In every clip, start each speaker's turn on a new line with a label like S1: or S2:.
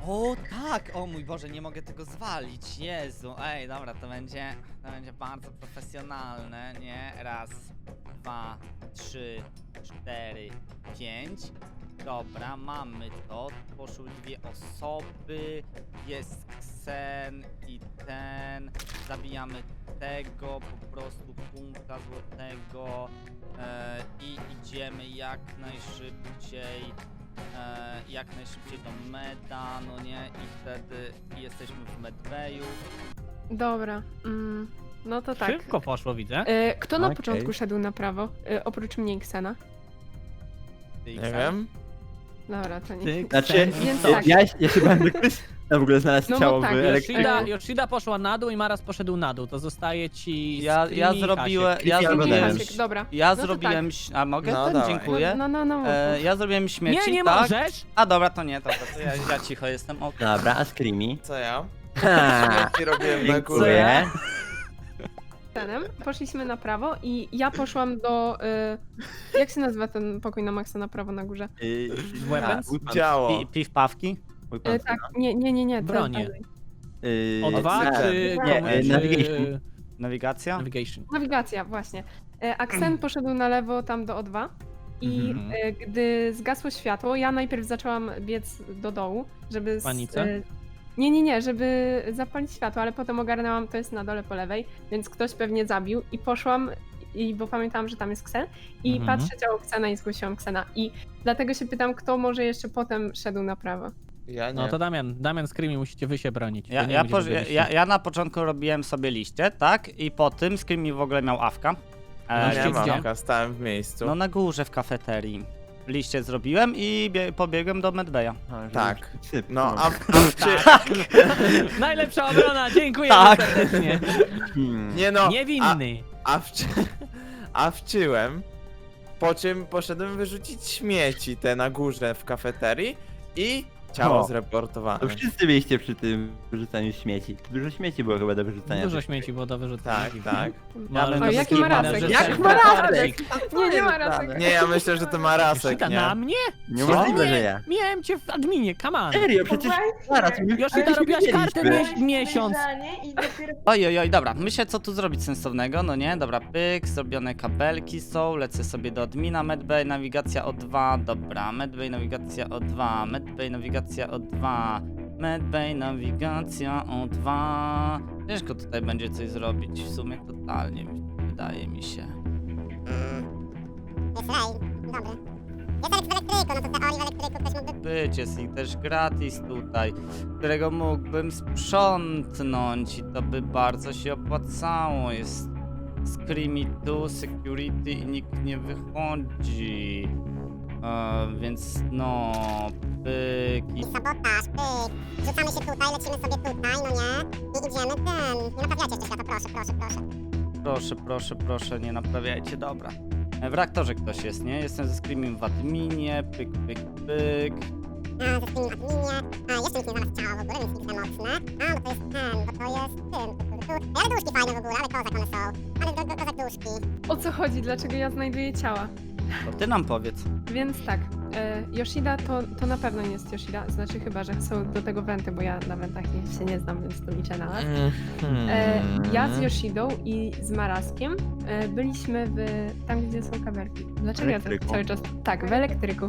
S1: O tak, o mój Boże, nie mogę tego zwalić, Jezu, ej, dobra, to będzie bardzo profesjonalne, nie? Raz, dwa, trzy, cztery, pięć. Dobra, mamy to, poszły dwie osoby, jest Ksen i ten, zabijamy tego, po prostu punkta złotego i idziemy jak najszybciej do meda, no nie, i wtedy jesteśmy w medbayu.
S2: Dobra, no to tak.
S3: Szybko poszło, widzę.
S2: Kto na
S4: Okej.
S2: początku szedł na prawo, oprócz mnie i Ksena?
S1: Ty,
S4: Nie
S1: Ksen?
S4: wiem.
S2: Dobra, to nie.
S3: Ty,
S4: Znaczy,
S2: Więc
S3: co?
S2: tak.
S4: ja się będę ktoś w ogóle znalazł
S2: No bo
S4: ciało
S2: tak,
S4: w elektryku.
S3: Yoshida poszła na dół i Maras poszedł na dół. To zostaje ci
S1: Ja
S3: Screamy i
S1: zrobiłem,
S3: Hasiek.
S1: ja
S4: Creepy albo
S1: zrobiłem,
S4: Dance.
S2: Hasiek, dobra.
S1: ja
S2: No to
S1: zrobiłem, a mogę?
S4: No
S1: Ten,
S4: dawaj.
S1: dziękuję.
S2: No.
S1: Ja zrobiłem śmieci,
S3: Nie
S1: tak?
S3: możesz!
S1: A dobra, to nie, dobra, to ja cicho jestem, okej.
S4: Dobra, a Screamy?
S5: Co ja?
S4: Ha,
S5: Śmieci robiłem na górę.
S4: dziękuję.
S2: Ksenem poszliśmy na prawo i ja poszłam do... jak się nazywa ten pokój na maksa na prawo na górze?
S3: Weapons?
S5: Działo.
S1: Piwpawki?
S2: Tak, nie. ten
S3: Bronie.
S2: dalej.
S3: O2 czy...
S4: Nie,
S3: czy-
S4: navigation.
S1: Nawigacja?
S3: Navigation.
S2: Nawigacja, właśnie. A Ksen poszedł na lewo tam do O2 i
S3: Mhm.
S2: gdy zgasło światło, ja najpierw zaczęłam biec do dołu, żeby...
S3: Panice?
S2: Nie, żeby zapalić światło, ale potem ogarnęłam, to jest na dole po lewej, więc ktoś pewnie zabił i poszłam, bo pamiętałam, że tam jest Ksen i
S3: Mhm.
S2: patrzę ciało Ksena i zgłosiłam Ksena i dlatego się pytam, kto może jeszcze potem szedł na prawo.
S5: Ja nie.
S3: No to Damian, Screamy, musicie wy się bronić.
S1: Ja,
S3: Wy nie
S1: ja,
S3: będziecie
S1: ja,
S3: byliście.
S1: ja na początku robiłem sobie liście, tak? I po tym Screamy w ogóle miał awka.
S3: No,
S5: Nie
S3: gdzie?
S5: mam, stałem w miejscu.
S1: No na górze w kafeterii. Liście zrobiłem i pobiegłem do medbaya.
S5: Tak.
S4: Syp,
S5: No, a
S3: Najlepsza obrona, dziękuję
S1: Tak.
S3: serdecznie.
S5: nie no,
S3: Niewinny.
S5: a wczyłem, po czym poszedłem wyrzucić śmieci te na górze w kafeterii i ciało
S4: O.
S5: zreportowane.
S4: To wszyscy byliście przy tym wyrzucaniu śmieci. Dużo śmieci było chyba do wyrzucania.
S3: Dużo śmieci było do wyrzucenia.
S5: Tak.
S1: Ja
S2: O, jaki marasek.
S5: Jak marasek?
S2: Nie ma rasek.
S5: Nie, ja myślę, że to ma rasek,
S3: Yoshida,
S5: nie?
S3: na mnie?
S4: Niemożliwe, że ja.
S3: Miałem cię w adminie, come on.
S4: Serio, przecież zaraz.
S3: Yoshida, robiłaś kartę miesiąc.
S1: Oj, dobra, myślę co tu zrobić sensownego, no nie? Dobra, pyk, zrobione kabelki są, lecę sobie do admina, medbay, nawigacja O2, dobra, medbay, nawigacja O2, medbay, nawigacja O2, medbay, nawigacja O2. Ciężko tutaj będzie coś zrobić, w sumie totalnie, wydaje mi się.
S6: Jest Ray, dobry. Jest Alex w elektryku, no to w teorii w elektryku ktoś mógłby...
S1: Być, jest ich też gratis tutaj, którego mógłbym sprzątnąć i to by bardzo się opłacało. Jest Screamy tu, security i nikt nie wychodzi. Więc no, pyk i
S6: I sabotaż, pyk. Rzucamy się tutaj, lecimy sobie tutaj, no nie? I idziemy ten. Nie naprawiacie jeszcze światła, proszę.
S1: proszę, nie naprawiajcie, dobra. W reaktorze ktoś jest, nie? Jestem ze Screamim w adminie, pyk.
S6: A, ze tymi adminie. A, jeszcze nikt nie znalazł ciała w ogóle, więc nikt mocne. A, bo to jest ten, bo to jest tym. Ale duszki fajne w ogóle, ale kozak one są. Ale kozak duszki.
S2: O co chodzi? Dlaczego ja znajduję ciała?
S1: To ty nam powiedz.
S2: Więc tak, Yoshida to na pewno nie jest Yoshida, znaczy chyba, że są do tego wenty, bo ja na wentach się nie znam, więc to liczę na nas. Ja z Yoshidą i z Maraskiem byliśmy tam, gdzie są kabelki. Dlaczego ja tak
S4: Elektryku.
S2: cały czas... Tak, w elektryku.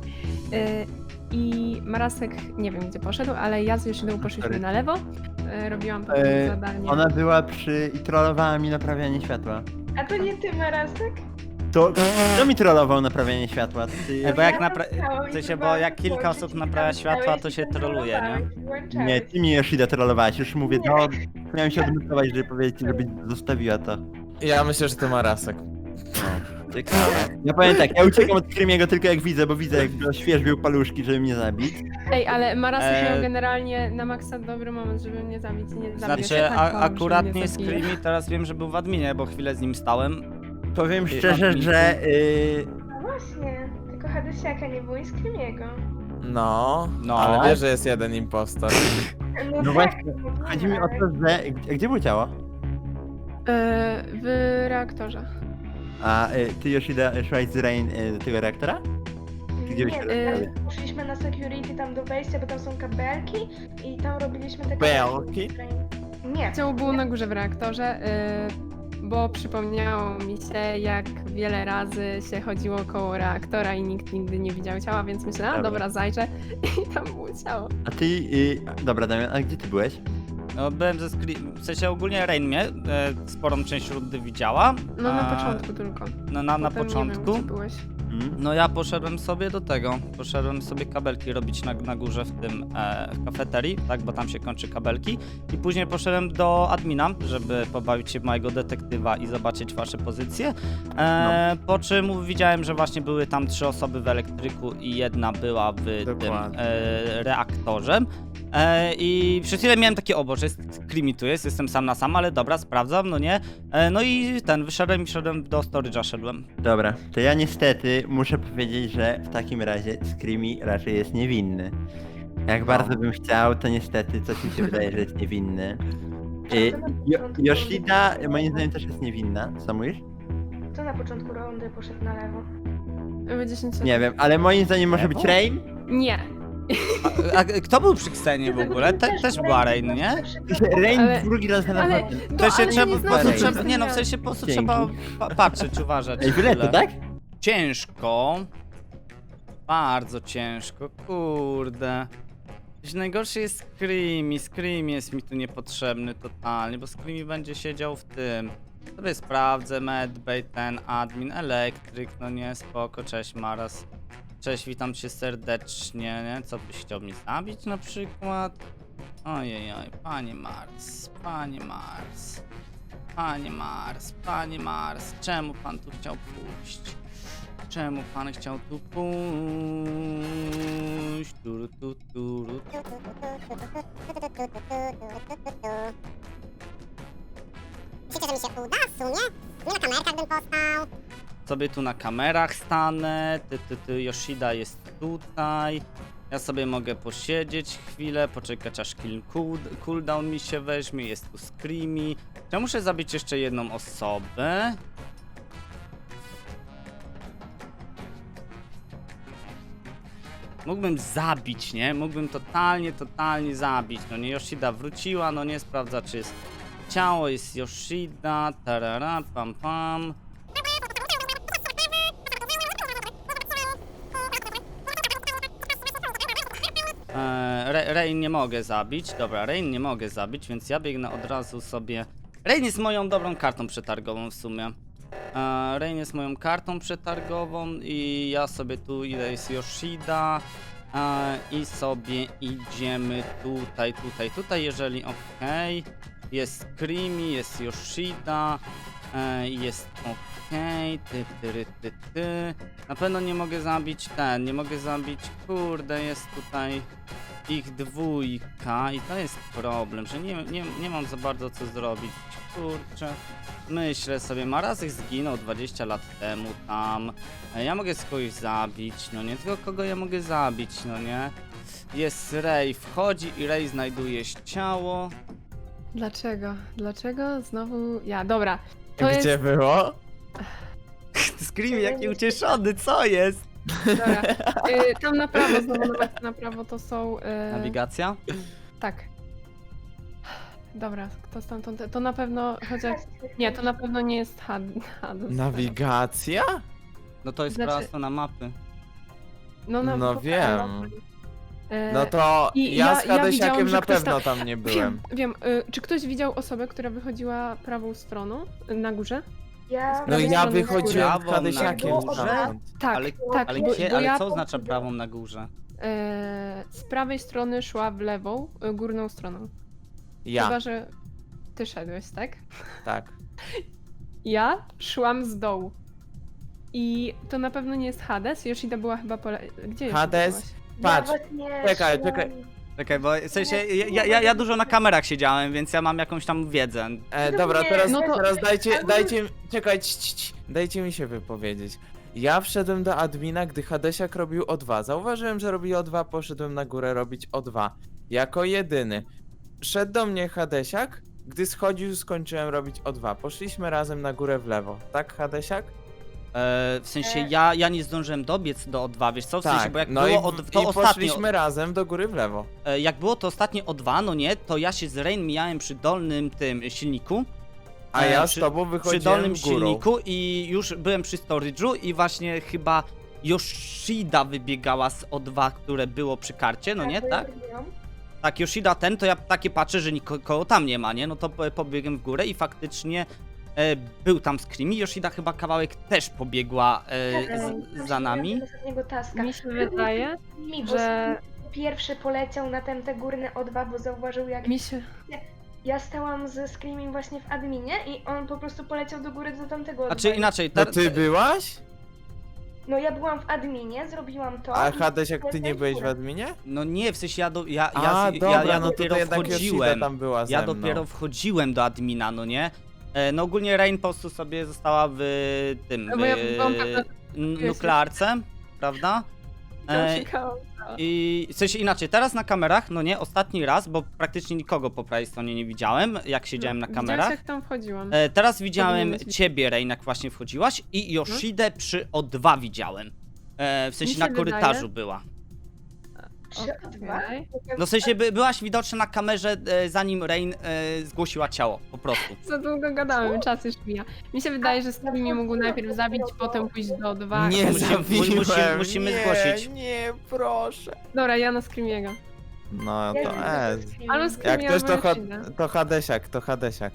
S2: I Marasek nie wiem, gdzie poszedł, ale ja z Yoshidą poszliśmy na lewo. Robiłam to zadanie.
S4: Ona była i trollowała mi naprawianie światła.
S7: A to nie ty, Marasek?
S4: To kto mi trollował naprawianie światła? Ty...
S1: Bo jak
S7: Chciałam
S1: w
S7: i
S1: sensie, bo
S7: próbowałam
S1: jak kilka
S7: włączyć
S1: osób
S7: i
S1: naprawia
S7: tam
S1: światła,
S7: stałeś
S1: to
S7: i
S1: się
S7: tam
S1: troluje, nie?
S7: rolowałeś i włączałeś.
S4: Nie, ty mi Yoshida trollowałaś, już mówię, no miałem się odmutować, żeby powiedzieć, żeby zostawiła to.
S5: Ja myślę, że to ma rasek.
S4: Ciekawe. Ja powiem tak, ja uciekam od Screamiego tylko jak widzę, bo widzę jak świeżbił paluszki, żeby mnie zabić.
S2: Ej, ale Marasek miał
S1: E,
S2: generalnie na maksa dobry moment, żeby mnie zabić i nie zabił.
S1: Znaczy, akurat nie Screamy, teraz wiem, że był w adminie, bo chwilę z nim stałem.
S4: Powiem szczerze, że...
S7: No właśnie, tylko Hadysiaka nie było i Screamiego.
S5: No,
S1: No.
S5: ale wiesz, że jest jeden impostor.
S4: No
S7: tak,
S4: właśnie,
S7: no tak.
S4: chodzi mi o to, że... Gdzie było ciało?
S2: W reaktorze.
S4: A ty Yoshida szłaś z Rain do tego reaktora? Gdzie
S7: Nie,
S4: byście
S7: poszliśmy na security tam do wejścia, bo tam są kabelki i tam robiliśmy te
S5: Belki?
S7: Nie.
S2: Ciało było na górze w reaktorze, bo przypomniało mi się, jak wiele razy się chodziło koło reaktora i nikt nigdy nie widział ciała, więc myślę, a
S4: Dobra.
S2: dobra, zajrzę i tam było ciało.
S4: A ty, dobra Damian, a gdzie ty byłeś?
S1: No, byłem w sensie ogólnie Rain mnie sporą część rundy widziała.
S2: No na
S1: a,
S2: początku tylko.
S1: Na
S2: Potem
S1: początku.
S2: Nie wiem, gdzie byłeś.
S1: No ja poszedłem sobie do tego, poszedłem sobie kabelki robić na górze w tym, w kafeterii, tak, bo tam się kończy kabelki i później poszedłem do admina, żeby pobawić się w mojego detektywa i zobaczyć wasze pozycje, po czym widziałem, że właśnie były tam 3 osoby w elektryku i jedna była w tym
S5: Dokładnie.
S1: reaktorze. I przez chwilę miałem takie, o Boże, Screamy tu jest, jestem sam na sam, ale dobra, sprawdzam, no nie. No i wyszedłem i wszedłem do storage'a, szedłem.
S4: Dobra, to ja niestety muszę powiedzieć, że w takim razie Screamy raczej jest niewinny. Jak bardzo bym chciał, to niestety coś mi się wydaje, że jest niewinny. Yoshida moim zdaniem też jest niewinna, co mówisz?
S7: Kto na początku rundy poszedł na lewo?
S2: Były 10 sekund.
S4: Nie wiem, ale moim zdaniem może być Rain?
S2: Nie.
S1: A kto był przy Ksenie w ogóle? Też była Rain, nie?
S4: Rain
S2: Ale-
S4: drugi raz na
S2: Ale,
S4: pewno.
S1: W sensie
S2: ale
S1: trzeba,
S2: nie
S1: po prostu
S2: znaczy,
S1: trzeba,
S2: że
S1: nie no, w
S2: ja-
S1: sensie po prostu
S4: Dzięki.
S1: trzeba patrzeć, uważać.
S4: Ej, wyletu,
S1: chwilę.
S4: tak?
S1: Ciężko. Bardzo ciężko, kurde. Coś najgorsze jest Screamy. Screamy jest mi tu niepotrzebny totalnie, bo Screamy będzie siedział w tym. Sobie sprawdzę, medbay, ten admin, elektryk, no nie, spoko, cześć Maras. Cześć, witam cię serdecznie, nie? Co byś chciał mnie zabić na przykład? Ojej, panie Mars, panie Mars. Panie Mars, panie Mars, czemu pan tu chciał pójść? Czemu pan chciał tu pójść? Turu, tu, turu.
S6: Myślicie, że mi się uda w sumie? Nie na kamerkach bym postał.
S1: Sobie tu na kamerach stanę, Yoshida jest tutaj. Ja sobie mogę posiedzieć chwilę, poczekać aż cooldown mi się weźmie, jest tu Screamy. Ja muszę zabić jeszcze jedną osobę. Mógłbym zabić, nie? Mógłbym totalnie zabić. No nie, Yoshida wróciła, no nie, sprawdza czy jest ciało, jest Yoshida, tarara, pam pam. Rain nie mogę zabić. Dobra, Rain nie mogę zabić, więc ja biegnę od razu sobie. Rain jest moją dobrą kartą przetargową w sumie. Rain jest moją kartą przetargową i ja sobie tu idę, jest Yoshida. I sobie idziemy tutaj, jeżeli okej. Jest Screamy, jest Yoshida. Jest okej. Ty. Na pewno nie mogę zabić nie mogę zabić, kurde, jest tutaj ich dwójka i to jest problem, że nie mam za bardzo co zrobić, kurczę. Myślę sobie, Marazek zginął 20 lat temu tam, ja mogę kogoś zabić, no nie, tylko kogo ja mogę zabić, no nie. Jest Ray, wchodzi i Ray znajduje ciało.
S2: Dlaczego? Dlaczego znowu ja? Dobra. To
S5: Gdzie
S2: jest...
S5: było?
S1: Screamy jaki ucieszony, co jest?
S2: Dobra. Tam na prawo, znowu nawet na prawo to są...
S1: Nawigacja?
S2: Tak. Dobra, kto stamtąd? To na pewno, chociaż... Nie, to na pewno nie jest Hades.
S5: Nawigacja?
S1: No to jest
S2: Znaczy-
S1: prawa strona mapy.
S5: No
S2: po
S5: wiem.
S2: prawo.
S5: No to
S2: I
S5: ja
S2: ja
S5: z Hadesiakiem
S2: widziałam, że
S5: na
S2: ktoś
S5: pewno tam nie byłem.
S2: Wiem. Czy ktoś widział osobę, która wychodziła prawą stroną na górze?
S7: Ja...
S5: No
S2: prawej
S5: ja
S2: strony
S5: wychodziłem
S1: Prawą
S5: z Hadesiakiem
S7: na
S5: stamtąd.
S2: Tak,
S1: Ale-
S2: tak.
S1: Ale,
S2: bo,
S1: gdzie,
S2: bo
S1: ale
S2: ja
S1: co oznacza prawą na górze?
S2: z prawej strony szła w lewą, górną stroną.
S5: Ja,
S2: Chyba, że ty szedłeś, tak?
S5: tak.
S2: Ja szłam z dołu. I to na pewno nie jest Hades. Yoshida była chyba po Gdzie jeszcze
S5: Hades?
S2: byłaś?
S5: Patrz, czekaj.
S1: Czekaj, bo w sensie ja dużo na kamerach siedziałem, więc ja mam jakąś tam wiedzę.
S5: Dobra,
S7: nie,
S5: teraz,
S2: no to-
S5: teraz dajcie, czekaj, dajcie mi się wypowiedzieć. Ja wszedłem do admina, gdy Hadesiak robił O2. Zauważyłem, że robi O2, poszedłem na górę robić O2. Jako jedyny. Szedł do mnie Hadesiak, gdy schodził, skończyłem robić O2. Poszliśmy razem na górę w lewo. Tak, Hadesiak?
S1: W sensie ja nie zdążyłem dobiec do O2, wiesz co? W sensie, bo jak
S5: no
S1: było to
S5: i
S1: ostatnio,
S5: poszliśmy razem do góry w lewo.
S1: jak było to ostatnie O2, no nie, to ja się z Rain mijałem przy dolnym tym silniku.
S5: A ja z
S1: przy-
S5: tobą
S1: Przy
S5: wychodziłem
S1: dolnym
S5: górą.
S1: silniku i już byłem przy storage'u i właśnie chyba Yoshida wybiegała z O2, które było przy karcie, no nie,
S7: bo ja
S1: tak?
S7: robiłam.
S1: Tak, Yoshida to ja takie patrzę, że nikogo tam nie ma, nie? No to pobiegłem w górę i faktycznie był tam Screamy. Yoshida chyba kawałek też pobiegła za nami.
S7: Do ostatniego taska.
S2: Mi się wydaje,
S7: Mi,
S2: że...
S7: pierwszy poleciał na te górne O2, bo zauważył jak
S2: Mi się...
S7: ja stałam ze Screaming właśnie w adminie i on po prostu poleciał do góry do tamtego O2.
S1: Znaczy inaczej,
S5: No ty byłaś?
S7: No ja byłam w adminie, zrobiłam to.
S5: A
S7: i
S5: Hades, jak ty nie
S7: poleciałem
S5: byłeś w
S7: górę.
S5: adminie?
S1: no nie, w sensie ja
S5: Dobra, no to
S1: dopiero
S5: jednak Yoshida
S1: wchodziłem.
S5: tam była ze
S1: Ja
S5: mną.
S1: dopiero wchodziłem do admina, no nie? No ogólnie Rain po prostu sobie została w tym,
S2: No bo ja byłam pewna,
S1: nuklearce, prawda? I w sensie inaczej, teraz na kamerach, no nie, ostatni raz, bo praktycznie nikogo po prawej stronie nie widziałem, jak siedziałem na kamerach.
S2: Widziałeś, jak tam wchodziłam.
S1: Teraz widziałem
S2: Powinieneś-
S1: ciebie, Rain, jak właśnie wchodziłaś i Yoshidę przy O2 widziałem. W sensie
S2: Mi
S1: na
S2: się
S1: korytarzu
S2: wydaje-
S1: była.
S7: Przy O2?
S2: Okej.
S1: No w sensie byłaś widoczna na kamerze, zanim Rain zgłosiła ciało, po prostu.
S2: Za długo gadałem, czas już mija. Mi się wydaje, że Screamy mógł najpierw zabić, potem pójść do O2.
S5: Nie zabiłem,
S1: musimy
S5: nie,
S1: zgłosić.
S5: Nie, proszę.
S2: Dobra, ja na Screamiego.
S5: No
S7: Ja
S5: to
S7: widzę
S5: ez.
S7: ze Screaming.
S2: Ale
S5: Jak
S2: Screamy
S5: ktoś
S2: albo Yoshida.
S5: to Hadesiak, to Hadesiak.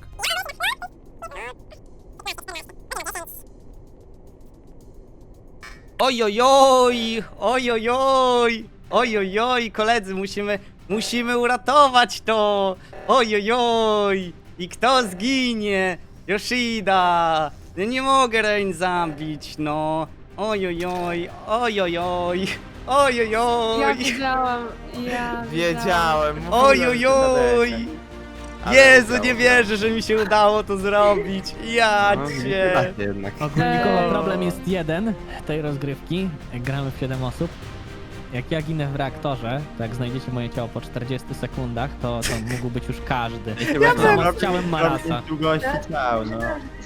S1: Ojojoj, ojojoj, ojojoj, koledzy, musimy uratować to. Ojojoj, i kto zginie? Yoshida. Ja nie mogę Rain zabić, no. Ojojoj, ojojoj, ojojoj.
S2: Ja wiedziałam,
S5: Wiedziałem, mówiłem,
S1: Ojojoj.
S5: Hadesiak. Ale
S1: Jezu,
S5: udało
S1: nie
S5: się.
S1: wierzę, że mi się udało to zrobić. Ja
S4: No,
S1: cię.
S4: tak jednak.
S3: Ogólnikowo problem jest jeden tej rozgrywki. Jak gramy w 7 osób. Jak ja ginę w reaktorze, to jak znajdziecie moje ciało po 40 sekundach, to mógł być już każdy.
S4: Ja
S3: byłem- chciałem Marasa.
S4: Długości ciał, no.
S7: Myślałam, że